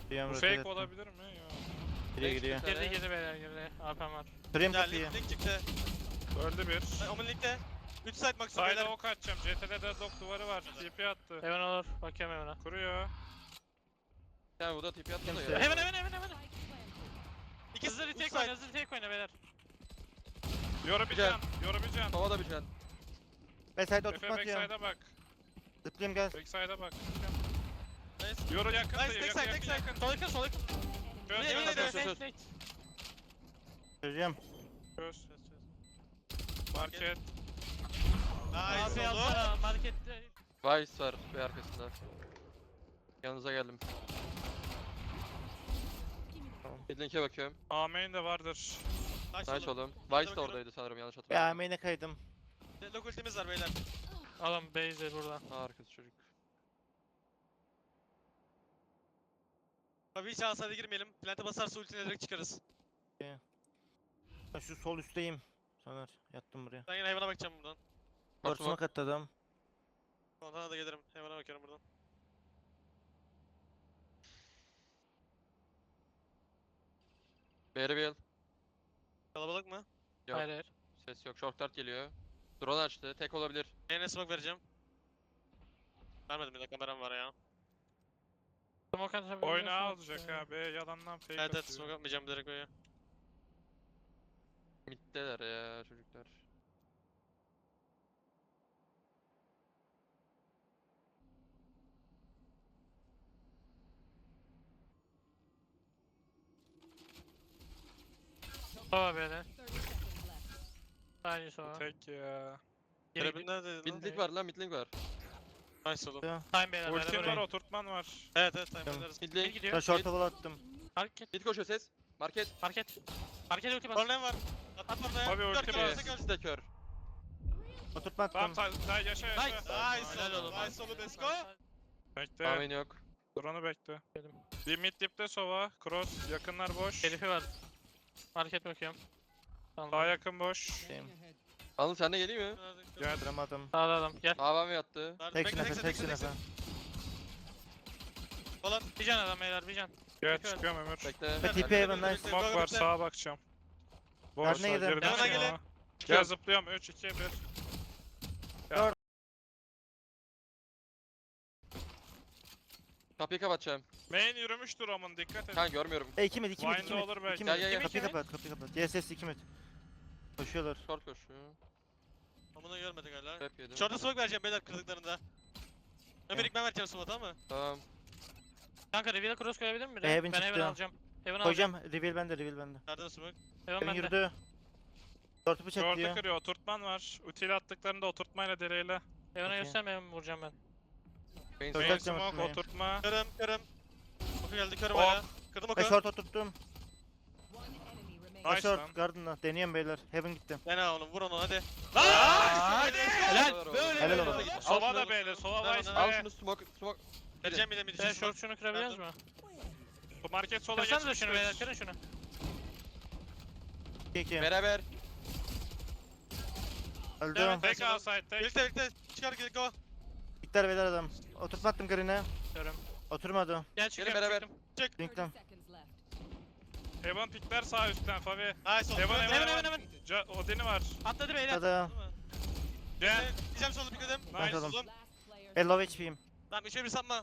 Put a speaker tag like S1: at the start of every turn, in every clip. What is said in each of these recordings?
S1: Bu
S2: rotate
S1: fake
S2: ettim.
S1: olabilir mi? Ya.
S2: Giriyor gidiyor.
S3: Girdi girdi beyler girdi. AP'm var.
S2: Kırayım
S4: Ya
S2: kapıyı.
S4: link çıktı.
S1: Öldü bir.
S4: Omen linkte. 3 side maksimum
S1: Side'a
S4: beyler.
S1: ok atacağım. CT'de deadlock duvarı var. TP attı.
S3: Heaven olur. Bakıyorum Heaven'a.
S1: Kuruyor.
S5: Yani bu da tipi attı da
S2: Kimse-
S5: ya.
S3: Heaven.
S4: İki
S3: Hızlı
S4: üç
S3: retake
S4: side.
S3: oyna, hızlı retake oyna beyler.
S1: Yoru bir can. Yoru bir can.
S5: Hava da bir can.
S2: Backside'e
S1: Efe
S2: oturtma atıyorum.
S1: backside'a bak.
S2: Zıplayayım gel.
S1: Backside'a bak.
S4: Nice.
S1: Yoru yakın
S4: Nice,
S1: sayı.
S4: tek side, tek side.
S1: Yakın.
S3: Sol yakın sol yakın.
S1: Çöz
S4: Ne, ne,
S1: çöz
S4: ne?
S1: çöz.
S3: Late.
S2: Çözeceğim.
S1: Çöz. Market.
S4: Nice
S3: AP
S4: oldu.
S3: alsana markette.
S5: Vice var bir arkasında. Yanınıza geldim. Midlink'e bakıyorum.
S1: A main de vardır.
S5: Nice oğlum. Vice de oradaydı sanırım yanlış
S2: Ya
S5: hatırlamıyorum.
S2: main'e kaydım.
S4: Deadlock ultimiz var beyler.
S3: Alın base'e buradan.
S5: Arkası çocuk.
S4: Tabii hiç alsaydı girmeyelim. Plante basarsa ultine direkt çıkarız.
S2: Ben şu sol üstteyim. Soner yattım buraya.
S4: Ben yine hayvana bakacağım buradan.
S2: Ortasına katladım.
S4: Ondan da gelirim. Hayvana bakıyorum buradan.
S5: B'ye bir el.
S4: Kalabalık mı?
S5: Yok.
S3: Hayır hayır.
S5: Ses yok. Short dart geliyor. Drone açtı. Tek olabilir.
S4: Yine smoke vereceğim. Vermedim, bir dakika kameram var ya.
S3: Smoke atabiliyor
S1: Oyna
S3: musun?
S1: alacak abi. Yalandan fake
S4: Evet
S1: atıyor.
S4: smoke atmayacağım direkt böyle.
S5: Middeler ya çocuklar.
S3: Sova beyler. Aynı sova.
S1: Tek ya.
S3: Geri
S4: Görevin nerede lan?
S5: Midlink var lan midlink var.
S4: Nice oğlum.
S3: Time beyler.
S1: Ultim
S3: beyler,
S1: var,
S3: buraya.
S1: oturtman var.
S4: Evet time
S2: Tamam.
S4: oynarız.
S3: Geri
S5: Midlink.
S2: Ben
S3: gidiyor.
S2: short'a wall attım.
S3: Market.
S5: Mid koşuyor ses. Market.
S3: Market. Market ulti bas.
S4: Problem var. At orada
S1: Abi
S4: ya.
S1: ulti
S4: Dört
S1: var.
S4: kere
S5: İkisi
S4: kör.
S5: de kör.
S2: Oturtma
S1: Tamam
S2: attım.
S1: yaşa.
S3: Nice.
S4: Nice
S3: Helal
S4: oğlum.
S3: oğlum.
S4: Nice oğlum, let's go.
S1: Bekle.
S5: Amin yok.
S1: Drone'u bekle.
S3: Dedim.
S1: Bir mid dipte sova. Cross. Yakınlar boş.
S3: Herifi var. Market bakıyorum. Tamam.
S1: Daha yakın boş.
S5: Anıl sen de geleyim mi?
S1: Gel.
S2: Duramadım.
S3: Sağda adam. Gel.
S5: Avam yattı.
S2: Tek nefe, tek nefe.
S4: Falan.
S3: Bir can adam beyler bir can.
S1: Gel
S3: Bekle.
S1: çıkıyorum Ömür.
S5: Bekle.
S2: Ve TP Haven nice.
S1: Smoke var sağa bakacağım. Boş
S2: Nerede gidelim?
S1: girdim
S4: Yanına gelin.
S1: smoke'a. Gel zıplıyorum 3 2 1.
S5: Kapıyı kapatacağım.
S1: Main yürümüştür amın dikkat et.
S5: Kan görmüyorum.
S2: 2 mid 2 mid 2
S1: Wind'de
S2: mid.
S1: olur belki.
S2: 2
S5: Gel,
S2: mid.
S5: gel, gel.
S2: Kapıyı
S3: Kimi?
S2: kapat kapıyı kapat. DSS 2 mid. Koşuyorlar.
S5: Short koşuyor.
S4: Amına görmedik hala.
S5: Trap yedim.
S4: Short'a smoke vereceğim beyler kırdıklarında. Ömer ilk ben vereceğim smoke, tamam mı?
S5: Tamam.
S3: Kanka reveal'e cross koyabilir mi?
S2: Heaven
S3: Ben Heaven
S2: çıktı.
S3: alacağım. Heaven alacağım.
S2: Koyacağım. Reveal bende, reveal bende.
S4: Nereden smoke?
S3: Heaven
S2: Heaven
S3: bende.
S2: yürüdü. Short'u
S1: Short'u
S2: bıçaklıyor.
S1: kırıyor oturtman var. Util attıklarında oturtmayla direğiyle.
S3: Heaven'a
S2: Okey.
S3: gösterme Heaven vuracağım ben.
S5: Main
S2: Short
S1: Main
S2: atacağım
S1: smoke
S2: atmayı.
S1: oturtma.
S4: Kırım. Oku geldi, körüm
S1: Ok.
S4: hala. Kırdım oku.
S2: Ve short oturttum.
S1: Nice lan.
S2: Short garden'la. Deniyorum beyler. Heaven gitti.
S4: Dene oğlum, vur onu hadi.
S3: Helal.
S5: Böyle
S2: Helal
S5: böyle
S2: olsun.
S5: git. Al
S1: Sova
S5: şunu.
S1: da böyle. Sova
S4: Ver
S1: vice
S4: onu,
S5: Al
S1: be.
S5: şunu smoke.
S4: Vereceğim bir de mid
S3: Sen
S4: için.
S3: short şunu kırabiliyoruz mu?
S1: Bu market sola
S3: Kırsanıza
S1: geçmiştir.
S3: şunu beyler kırın şunu.
S2: 2
S5: Beraber.
S2: Öldü.
S1: Tek outside tek.
S4: Birlikte çıkar gel go.
S2: Bitter beyler adam. Oturtma attım green'e.
S3: Diyorum.
S2: Oturmadı.
S3: Gel çıkıyorum.
S5: beraber.
S3: çıktım.
S2: Link'ten.
S1: Heaven pikler sağ üstten Fabi.
S4: Nice oğlum.
S1: Heaven
S3: Heaven
S1: Heaven.
S3: Heaven.
S1: Odin'i var.
S3: Atladı beyler.
S2: Hadi.
S1: Gel.
S4: Diyeceğim solu pikledim.
S2: Ben
S1: Nice.
S2: kaldım. Low HP'yim.
S4: Tamam 3'e 1 sapma.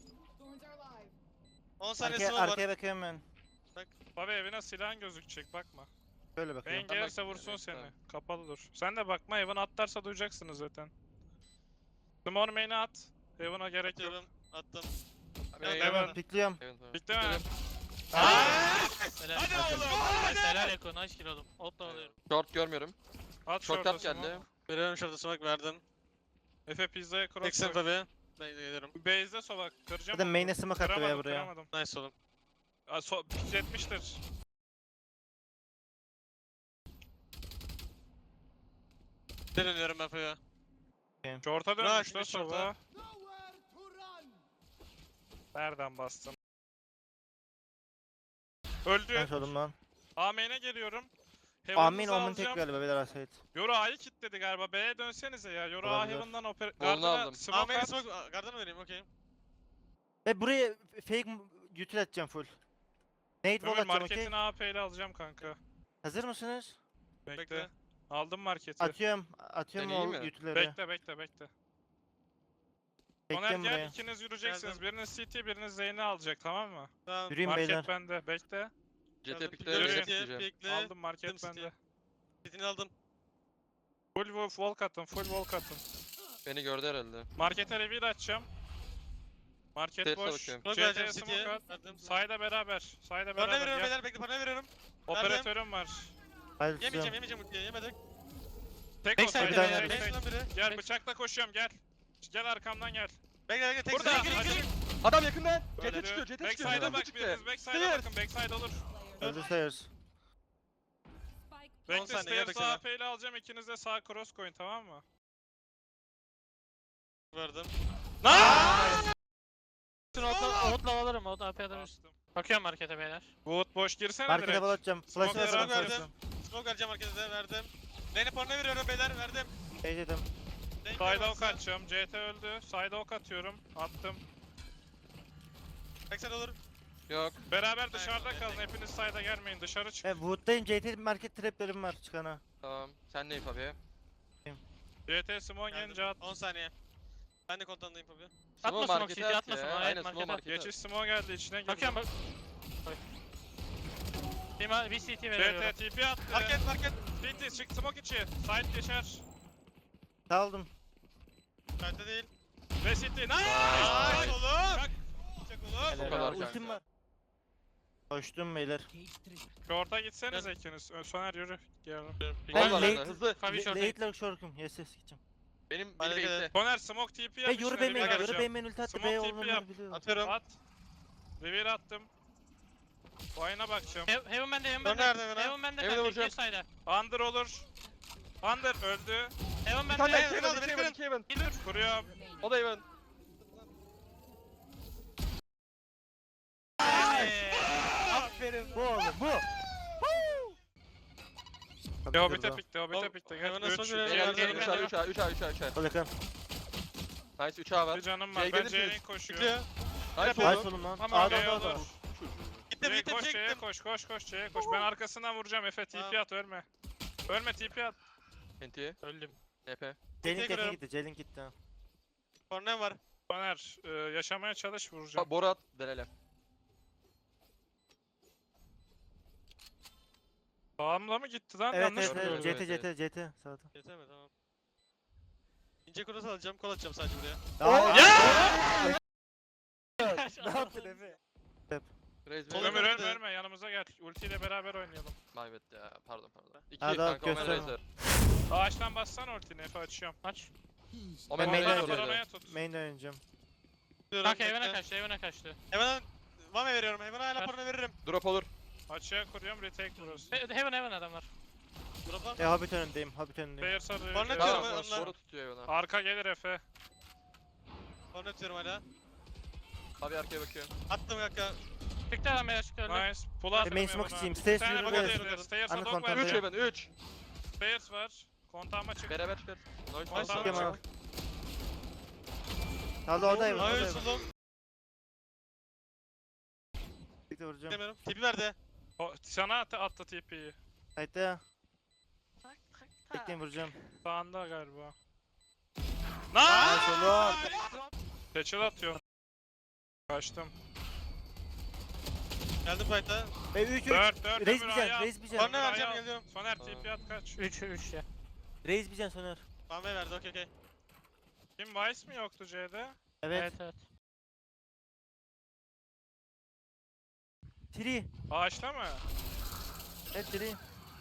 S4: 10 saniye
S2: Arkaya,
S4: smoke var.
S2: arkaya bakıyorum ben.
S1: Fabi evine silahın gözükecek bakma.
S2: Böyle
S1: Main
S2: bakıyorum.
S1: gelirse
S5: bakayım,
S1: vursun
S5: evet,
S1: seni.
S5: tamam.
S1: Kapalı dur. Sen de bakma Heaven atlarsa duyacaksınız zaten. Small main'e at. Heaven'a gerek yok.
S4: Atıyorum. Attım.
S5: Main.
S1: Heaven.
S2: Pikliyorum.
S5: Evet, tamam.
S1: Bitti mi?
S3: Helal.
S4: Hadi oğlum.
S3: Nice, helal Eko. Nice kill oğlum. Ot da alıyorum.
S5: Short görmüyorum.
S1: At
S5: Short
S1: short'a
S5: tap geldi.
S1: smoke.
S4: Veriyorum şurada smoke verdim.
S1: Efe pizzaya cross
S4: Teksin
S1: koy.
S4: tabi. Ben de geliyorum.
S1: Base'de sola kıracağım.
S2: Zaten
S1: onu.
S2: main'e smoke attı
S1: Kıramadım,
S2: ya buraya.
S1: kıramadım.
S4: Nice oğlum.
S1: Aa, pikletmiştir.
S4: Dönüyorum ben Faya.
S1: Short'a
S4: Bırak
S1: dönmüş lan
S4: bir short'a.
S1: sola. Nereden bastın? Öldü.
S2: Ben sordum lan.
S1: A main'e geliyorum.
S2: Amin
S1: Heaven'ınızı
S2: omen tek
S1: alacağım.
S2: galiba beyler asayt.
S1: Yoru A'yı kilitledi galiba. B'ye dönsenize ya. Yoru A
S2: Olabilir.
S1: Heaven'dan
S5: Golünü
S1: Gardena
S5: aldım.
S1: smoke
S4: Amen
S1: at.
S4: smoke. Garden vereyim okey.
S2: Ve buraya fake util atacağım full. Nade wall
S1: Ömür
S2: atacağım okey.
S1: marketini AP ile alacağım kanka.
S2: Hazır mısınız?
S1: Bekle.
S4: Bekle.
S1: Aldım marketi.
S2: Atıyorum
S5: Deneyeyim
S2: o
S5: mi?
S2: utilleri.
S1: Bekle. Soner
S2: Bekleyin
S1: gel
S2: buraya.
S1: ikiniz yürüyeceksiniz.
S4: Geldim.
S1: Biriniz CT biriniz Zeyn'i alacak tamam mı?
S4: Tamam.
S2: Yürüyün
S1: Market
S2: beyler.
S1: bende. Bekle.
S5: CT pikle
S1: Yürü.
S5: beni pikleyeceğim.
S4: Bekle.
S1: Aldım market
S4: Gittim
S1: bende.
S4: Sitini aldım.
S1: Full walk atın. Full walk atın.
S5: Beni gördü herhalde.
S1: Markete reveal açacağım. Market
S5: Terse
S1: boş.
S5: bakıyorum.
S4: Smoke
S1: CT'ye
S4: vereceğim
S1: smoke
S4: City'ye.
S1: at.
S4: Verdim.
S1: Sayda beraber. Sayda
S4: Parayı
S1: beraber.
S4: veriyorum
S1: Gel.
S4: beyler. Bekle parayı veriyorum.
S1: Operatörüm var.
S2: Hadi
S4: Yemeyeceğim
S2: tutuyorum.
S4: yemeyeceğim ultiyi yemedik.
S1: Tek
S3: Backside
S1: olsaydı.
S2: bir tane
S1: tek-
S2: verdim.
S1: tek-
S4: Base'den biri.
S1: Gel bıçakla koşuyorum gel. Gel arkamdan gel.
S4: Bekle tek
S1: Burada.
S4: sıra, gir.
S5: Adam yakından.
S1: Öldü.
S5: CT çıkıyor. CT çıkıyor.
S1: Backside'a bak
S5: çıktı.
S1: biriniz. Backside'a
S4: Clear.
S1: bakın. Backside olur.
S2: Öldü sayıyoruz.
S1: Bekle
S4: saniye, gel
S1: stairs
S4: backside.
S1: AP ile alacağım. İkiniz de sağ cross koyun tamam mı?
S4: Verdim.
S3: Outlaw alırım. Outlaw AP alırım.
S1: Bastım.
S3: Bakıyorum markete beyler.
S1: Wood boş girsene
S2: Markete
S1: direkt.
S2: wall atacağım. Flash
S1: Smoke'ları
S2: atarım.
S4: verdim.
S2: flash'ı.
S4: Smoke vereceğim herkese verdim. Lane'e porno veriyorum beyler verdim.
S2: Dedim.
S4: Lane
S1: Side'a ok
S4: görmezse.
S1: atacağım. CT öldü. Side'a ok atıyorum. Attım.
S4: Backside olur.
S5: Yok.
S1: Beraber dışarıda
S4: Aynen,
S1: kalın.
S4: aynen.
S1: Hepiniz side'a gelmeyin. Dışarı çık.
S2: Wood'dayım. JT market traplerim var çıkana.
S5: Tamam. Sen neyim abi?
S1: CT Simon gelince at.
S4: 10 saniye. Ben de kontandayım abi.
S3: Atma
S5: Smoke
S3: smoke
S5: markete
S3: CT
S5: at
S3: atma
S5: ya.
S3: smoke.
S5: Aynen
S3: Aynen
S5: smoke
S3: markete at.
S5: markete at.
S1: Geçiş Simon geldi içine girdi.
S3: Bakıyorum bak. Oy. Bir CT veriyorum.
S1: CT TP attı.
S4: Market.
S1: CT çık smoke içi. Side geçer.
S2: Saldım.
S4: Kayıtta değil.
S1: Ve CT. Nice!
S4: Nice
S1: Nice!
S4: oğlum.
S1: Çak.
S4: Çak oğlum.
S5: O kadar
S2: Ultim
S5: kanka.
S2: var. Koştum beyler.
S1: Short'a gitsenize ikiniz. Soner yürü. Gel.
S2: Ben
S5: Gol var
S2: late-
S5: bende. Hızlı.
S3: Kavi short.
S2: Late'ler short'um. Yes gideceğim.
S5: Beni
S4: Hadi
S5: bekle.
S1: Soner smoke TP
S2: Hey
S1: yapmış.
S2: yoru
S1: reveal
S2: benim yoru
S1: atacağım.
S2: benim ulti attı.
S1: Smoke
S2: B
S1: TP
S2: olduğunu
S1: yap.
S2: biliyorum.
S4: Atıyorum.
S1: At. Reveal attım. Vine'a bakacağım.
S3: Heaven bende, Heaven
S4: Sonra
S3: bende.
S4: nerede Heaven?
S3: Heaven bende
S5: Heaven'a
S3: kanka,
S5: vuracağım.
S3: iki side'a.
S1: Under olur. Under öldü.
S3: Heaven
S5: Bir tane
S3: bende.
S5: daha.
S4: Beni aldı, beni
S5: İki Evan.
S1: Kuruyorum.
S5: O da Evan.
S2: Aferin bu oğlum bu.
S1: Hobbit'e pikti. Hobbit'e
S4: Oğlum,
S1: pikti.
S4: hemen
S1: Gel.
S4: nasıl
S1: 3.
S4: görelim?
S5: Gel
S4: Gel,
S5: gel.
S4: gel,
S5: 3A 3A 3A 3A 3A.
S2: Ol yakın.
S5: Nice 3A var.
S1: Bir canım var.
S5: C'ye
S1: Ben
S5: gelirsiniz.
S1: C'ye koşuyorum.
S4: Bekliyor.
S5: Nice
S2: Nice
S5: oğlum.
S2: oğlum lan.
S3: Tamam,
S2: A'da
S1: C
S2: da
S1: olur.
S4: Gittim
S1: C'ye
S4: gittim
S1: koş, C'ye
S4: gittim.
S1: koş, C'ye koş. Ben arkasından vuracağım. Efe TP
S4: Tamam.
S1: at ölme. Ölme TP at.
S5: Enti.
S3: Öldüm.
S5: TP.
S2: Jelink
S4: kırıyorum.
S2: gitti. Jelink gitti.
S4: Pornem var.
S1: Soner yaşamaya çalış vuracağım.
S5: Boru at. Delele.
S1: Sağımla mı gitti lan?
S2: Evet
S1: Yanlış
S2: evet
S1: mı
S2: evet.
S1: gördüm?
S2: CT sağda.
S4: Yeter mi? Tamam. İnce cross alacağım. Kol atacağım sadece buraya.
S2: Ne yaptın Efe?
S5: Raise
S4: Sol
S5: me.
S1: Ömür
S4: Ömür
S1: ölme
S4: de-
S1: ölme yanımıza gel. Ultiyle beraber oynayalım.
S5: My bad ya. Pardon. 2
S2: Ha, daha
S5: kanka Omen
S2: gösterme.
S5: Razer.
S1: Ağaçtan bassana ultini Efe açıyorum.
S3: Aç.
S5: Omen
S2: main'den
S5: Razer
S2: oynayacağım.
S5: orada.
S1: Paranoya tut.
S2: Main'de oynayacağım.
S4: Diyorum,
S3: Kanka Heaven'a
S4: bekle.
S3: kaçtı, Heaven'a kaçtı.
S4: Hemen Vame veriyorum. Hemen hala
S3: Ver.
S4: porno veririm.
S5: Drop olur.
S1: Açığa kuruyorum retake burası.
S3: Heaven adam var.
S4: Drop'a.
S2: Hobbit önündeyim. Hobbit önündeyim.
S1: Player sarı.
S4: Corner
S1: Player
S4: atıyorum,
S5: Tamam.
S1: sarı.
S4: onlar.
S5: Boru tutuyor bana.
S1: Arka gelir Efe.
S4: Porno atıyorum hala.
S5: Abi arkaya bakıyor.
S4: Attım kanka.
S3: Çıktı adam beyler çıktı öldü.
S1: Nice. Pull out.
S2: Main smoke içeyim.
S1: Bir
S2: Stairs
S1: tane
S2: yürü
S1: bug
S2: böyle.
S1: atabilir. Stairs
S2: Anı
S1: dog
S2: kontrol
S1: var.
S5: 3
S2: ediyorum.
S5: Evan 3.
S1: Stairs var. Kontağıma çık.
S5: Beraber çıkar. Nice.
S1: Tamam,
S2: Bakayım
S1: tamam.
S2: abi. Sağda oradayım.
S4: Hayır
S2: Oradayım.
S4: suldum.
S2: Bir de vuracağım.
S4: Demiyorum. Tipi verdi.
S1: Sana attı TP'yi.
S2: Haydi ya. Bekleyin vuracağım.
S1: Sağında galiba.
S2: Nice
S1: Nice!
S2: oğlum.
S1: Peçel atıyor. Kaçtım.
S4: Geldim fight'a.
S2: 3
S1: 4 4
S2: Reis bir can. Reis bir can.
S4: Porno vereceğim geliyorum.
S1: Soner TP at kaç.
S3: 3 ya.
S2: Reis bir can Soner.
S4: Vame verdi okey.
S1: Kim Vice mi yoktu C'de?
S2: Evet.
S3: Evet.
S2: Tree.
S1: Ağaçta mı?
S2: Evet tree.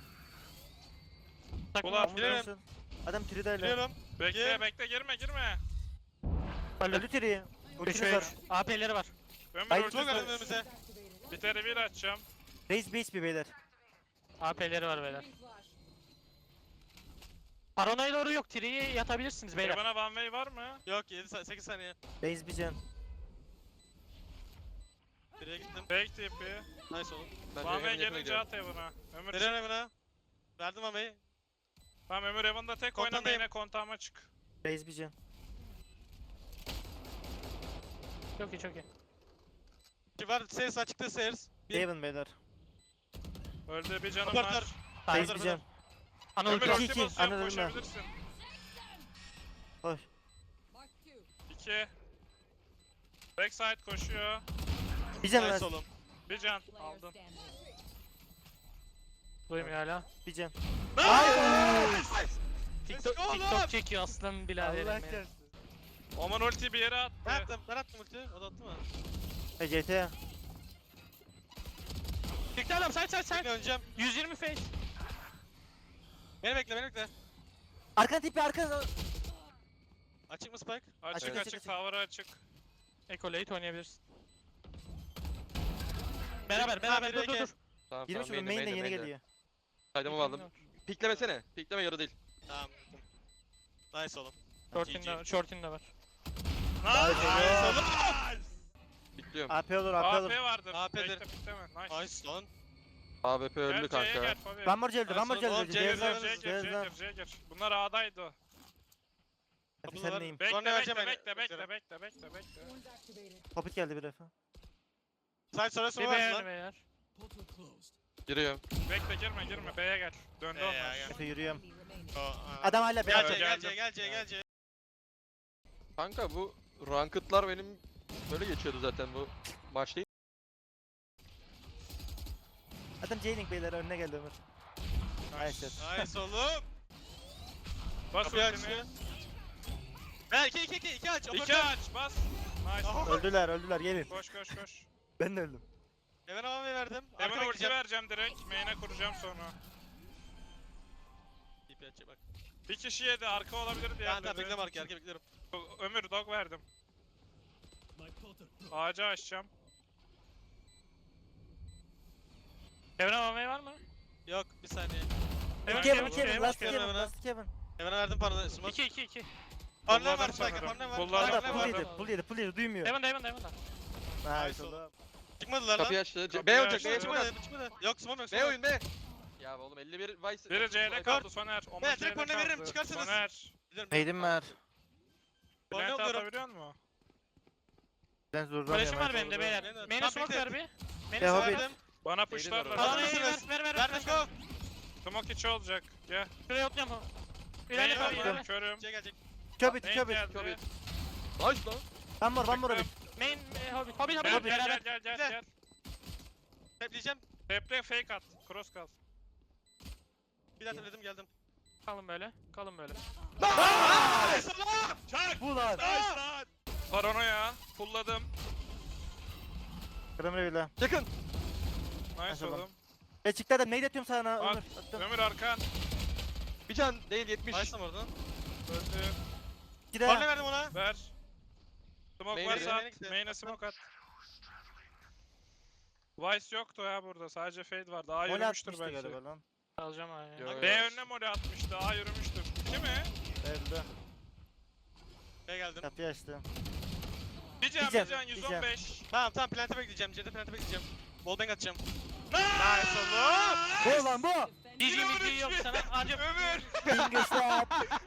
S3: Takım
S1: Ulan,
S3: var.
S4: Girelim.
S2: Nasıl? Adam tree'dayla.
S4: Geliyorum.
S1: Bekle
S4: Gir.
S1: bekle girme.
S2: Öldü tree.
S3: 3
S2: Ultimiz var.
S3: AP'leri var.
S1: Ömür
S2: Hayır,
S1: ulti
S4: Çok
S2: Güzel.
S4: geldim önümüze.
S1: bir tane bir açacağım.
S2: Reis base bir beyler.
S3: AP'leri var beyler. Paranoya doğru yok. Tri'yi yatabilirsiniz beyler.
S1: Bana one way var mı?
S4: Yok 8 saniye.
S2: Reis bir can.
S4: Biriye gittim.
S1: Fake TP.
S4: Nice oğlum.
S5: Ben
S1: One way
S5: Evan'ın yakına
S1: gelince
S5: gidiyorum.
S1: at Evan'a. Ömür
S4: Veriyorum Evan'a. Verdim Vame'yi.
S1: Tamam Ömür Evan'da tek oynama
S4: Kontandayım.
S1: yine kontağıma çık.
S2: Reis bir can.
S3: Çok iyi çok iyi.
S4: Var Stairs açıkta Stairs. Bir.
S2: Haven beyler.
S1: Öldü bir canım
S4: Operatör.
S1: var.
S2: Base
S4: Dur,
S2: diyeceğim.
S3: Ana
S1: Ömür
S3: ulti.
S2: iki,
S1: ulti
S2: iki.
S1: basıyorum,
S2: Anladım ben.
S1: koşabilirsin.
S2: Koş.
S1: 2. Backside koşuyor.
S2: Bir can
S4: Nice
S2: ver.
S4: oğlum.
S1: Bir can aldım.
S3: Duymuyor hala.
S2: Bir can.
S3: TikTok,
S4: go oğlum.
S3: TikTok çekiyor aslan biraderim
S2: Allah
S3: benim.
S2: kahretsin.
S1: Oman ulti bir yere attı.
S4: Ben attım ulti. O da attı mı?
S2: GTA.
S3: Çıktı adam side side
S4: Sen
S3: side.
S4: öneceğim.
S3: 120 face.
S4: Beni bekle.
S2: Arkan tipi arkan.
S4: Açık mı Spike?
S1: Açık
S2: Evet.
S1: açık tower'ı açık.
S3: Echo late oynayabilirsin. Beraber
S4: Tamam,
S3: dur dur
S4: biri
S3: dur.
S5: Tamam
S2: Girmiş
S5: tamam
S2: oğlum main'den yeni geliyor.
S5: Saydamı aldım. Piklemesene. Pikleme yarı değil.
S4: Tamam. Nice oğlum.
S3: Short in de var.
S4: Nice oğlum.
S5: Pikliyorum.
S2: AP olur AP
S1: AP
S2: olur.
S1: vardır.
S4: AP'dir.
S1: Bekle bekleme. Nice.
S4: Nice lan.
S5: AWP öldü
S1: Gel C'ye
S5: kanka.
S1: gel Fabi.
S2: One more öldü. One more
S4: Oğlum,
S2: öldü.
S4: C'ye
S1: C'ye
S4: gir,
S2: Cezlan.
S1: gir, C'ye gir,
S2: Cezlan.
S1: C'ye gir. Bunlar A'daydı.
S2: Efe
S4: Kapılar.
S2: sen neyim?
S1: Bekle
S4: Sonra
S1: bekle
S4: vereceğim
S1: bekle
S4: beni.
S1: bekle.
S2: Popit geldi bir defa.
S4: Side sonra
S3: Bir
S4: sonra
S3: beğen
S4: lan.
S3: beyler.
S5: Giriyorum.
S1: Bekle girme B'ye gel. Döndü
S4: Ya,
S1: onlar.
S4: ya.
S2: Efe yürüyorum.
S4: Aa.
S2: Adam hala
S4: Gel
S2: beyaz.
S4: C
S1: geldim.
S4: gel C.
S5: Kanka bu ranked'lar benim böyle geçiyordu zaten bu maç değil.
S2: Adam J-Link beyler önüne geldi Ömür. Nice.
S4: Nice oğlum.
S1: Bas
S4: Kapıyı
S1: ultini.
S4: açtı. Ver 2 aç.
S1: 2 aç bas. Nice.
S4: Aha.
S2: Öldüler gelin.
S1: Koş.
S2: Ben de öldüm.
S4: Hemen havaya verdim.
S1: Hemen
S4: Arka
S1: ulti
S4: bekleyeceğim.
S1: vereceğim direkt. Main'e kuracağım sonra.
S4: TP açacak bak.
S1: Bir kişi yedi arka olabilir diye.
S4: Tamam bekliyorum arka bekliyorum.
S1: Ömür dog verdim. Ağacı açacağım.
S3: Evren almaya var mı?
S4: Yok bir saniye.
S3: Hemen
S2: Kevin
S3: Kevin,
S2: Kevin.
S3: Kevin,
S2: Last
S4: Kevin,
S2: Kevin.
S4: Kevin.
S2: Last Kevin.
S4: Hemen verdim pardon. Smoke.
S3: 2.
S4: Parne var
S1: Kullandım
S4: Spike.
S1: sanırım.
S4: Parne var.
S1: Kullandım.
S2: Hala
S4: Parne
S2: pull
S4: var.
S2: yedi. Pull yedi. Duymuyor.
S3: Heaven da.
S2: Nice
S4: Nice
S2: oğlum.
S4: Çıkmadılar lan.
S5: Kapıyı açtı.
S1: Kapıyı
S5: B olacak.
S1: açtı.
S5: B smoke at.
S4: Çıkmadı. Yok smoke yok.
S5: B oyun B. Ya oğlum 51 Vice.
S1: Biri C'de kaldı Soner. Oman
S4: Ben
S1: C'de
S4: direkt korne veririm,
S1: kaldı.
S4: çıkarsınız.
S1: Soner.
S2: Neydim var?
S4: Korne
S1: Plant
S4: alıyorum.
S1: atabiliyor musun?
S2: Ben zorlamıyorum.
S3: Flash'ım var benim de beyler.
S4: Aynen.
S3: Main'e
S4: Tam
S3: smoke
S4: bekle.
S3: ver bir.
S2: Ya,
S3: Main'e
S2: Hobbit.
S3: smoke ver.
S1: Bana pushlarlar.
S5: Hazır
S3: Bana
S4: mısınız?
S3: ver.
S4: Verdim go.
S1: Smoke içi olacak. Gel.
S3: Şuraya atlıyorum.
S1: Main
S3: İlerle
S1: var,
S3: Fabi ilerle.
S1: körüm.
S4: C gelecek.
S2: Çöpit
S1: Main
S2: çöpit.
S1: geldi.
S5: Çöpit. Nice lan.
S2: One more Hobbit.
S3: Main Hobbit
S1: Gel
S3: beraber.
S1: gel.
S4: Tepleyeceğim.
S1: Teple fake at. Cross kal.
S4: Bir daha tepledim geldim.
S3: Kalın böyle.
S1: Çak.
S2: Bu lan.
S1: Paranoya. Fulladım.
S2: Kırmızı bile.
S5: Yakın.
S1: Nice
S2: Maşallah.
S1: oğlum.
S2: Çıktı adam. Neydi atıyorum sana
S1: At.
S2: Ömür? Attım.
S1: Ömür arkan.
S5: Bir can değil 70.
S4: Nice lan oradan.
S1: Öldü.
S2: İki de.
S4: Parne verdim ona.
S1: Ver. Smoke
S5: Main'e
S1: varsa
S4: gidelim.
S1: at. Main'e smoke at. Vice yoktu ya burada. Sadece fade vardı. A
S2: Mole
S1: yürümüştür
S2: atmıştı
S1: belki.
S2: galiba lan.
S3: Alacağım abi.
S5: Yo, yo.
S1: B önüne mole atmıştı. A yürümüştür. Değil mi?
S2: Öldü.
S4: B geldim.
S2: Kapıyı açtım.
S1: Bir can,
S2: Diyeceğim,
S1: bir can.
S2: diyeceğim.
S1: 115.
S4: Tamam plante bekleyeceğim. C'de plante bekleyeceğim. Wallbang atacağım. Nice oğlum.
S2: Bu lan bu.
S3: GG yok sana. Ancak
S1: Ömür.
S2: Finger shot.